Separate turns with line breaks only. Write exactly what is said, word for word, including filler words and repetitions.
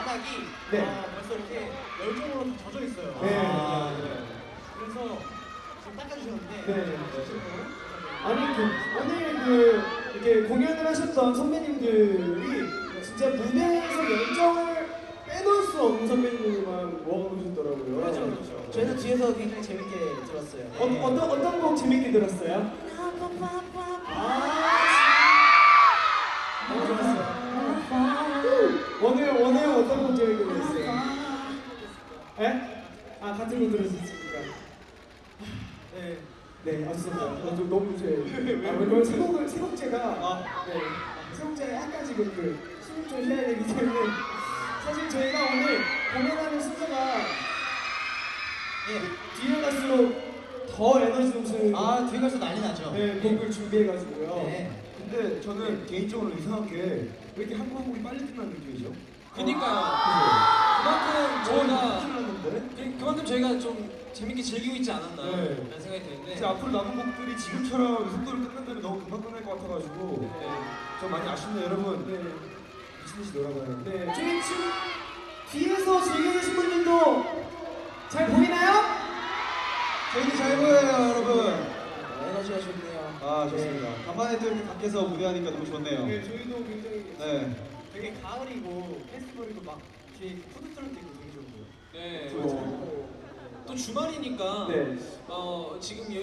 바닥이
네.
어, 벌써 이렇게 열정으로 다 젖어 있어요.
네.
아, 네. 그래서 지금 닦아주셨는데.
네. 아니 그 오늘 그 이렇게 공연을 하셨던 선배님들이 진짜 무대에서 열정을 빼놓을 수 없는 선배님들만 모아놓으셨더라고요.
그렇죠, 그렇죠. 저희는 뒤에서 굉장히 재밌게 들었어요.
어, 어떤 어떤 곡 재밌게 들었어요? 아, 너무 좋았어요. 오늘 오늘 어떤 곡 재밌게 들었어요? 에? 아 같은 곡 들으셨습니까? 네. 네, 맞습니다. 어, 좀 너무 제 아, 왜냐면 세 곡을 세 곡째가 아, 네, 세 곡째가 약간 지금 그 숨을 좀 쉬어야 되기 때문에 사실 저희가 오늘 공연하는 순서가 예, 뒤에 갈수록 더 에너지 넘치는
아, 뒤에 가서 난리 나죠.
네, 곡을 준비해가지고요.
네.
근데 저는 개인적으로 이상하게 왜 이렇게 한국 한국이 빨리 끝나는 느낌이죠?
그니까요. 그만큼 저희가
끝났는데?
그- 그만큼 저희가 좀 재밌게 즐기고 있지 않았나
네.
라는 생각이 드는데
이제 앞으로 남은 곡들이 지금처럼 속도를 끝낸다면 너무 금방 끝날 것 같아가지고
네.
저 많이 아쉽네요 여러분.
네,
미친 듯이 놀아봐요.
네, 저희 지금 뒤에서 즐기고 계신 분들도 잘 보이나요?
저희는 잘 보여요 여러분.
에너지가 좋네요.
아 좋습니다. 간만에 또 이렇게 밖에서 무대하니까 너무 좋네요.
네, 저희도 굉장히
네.
되게 가을이고 페스티벌이고 막 뒤에 푸드트럭도 있고 되게 좋고요.
네.
어,
또 주말이니까
네.
어, 지금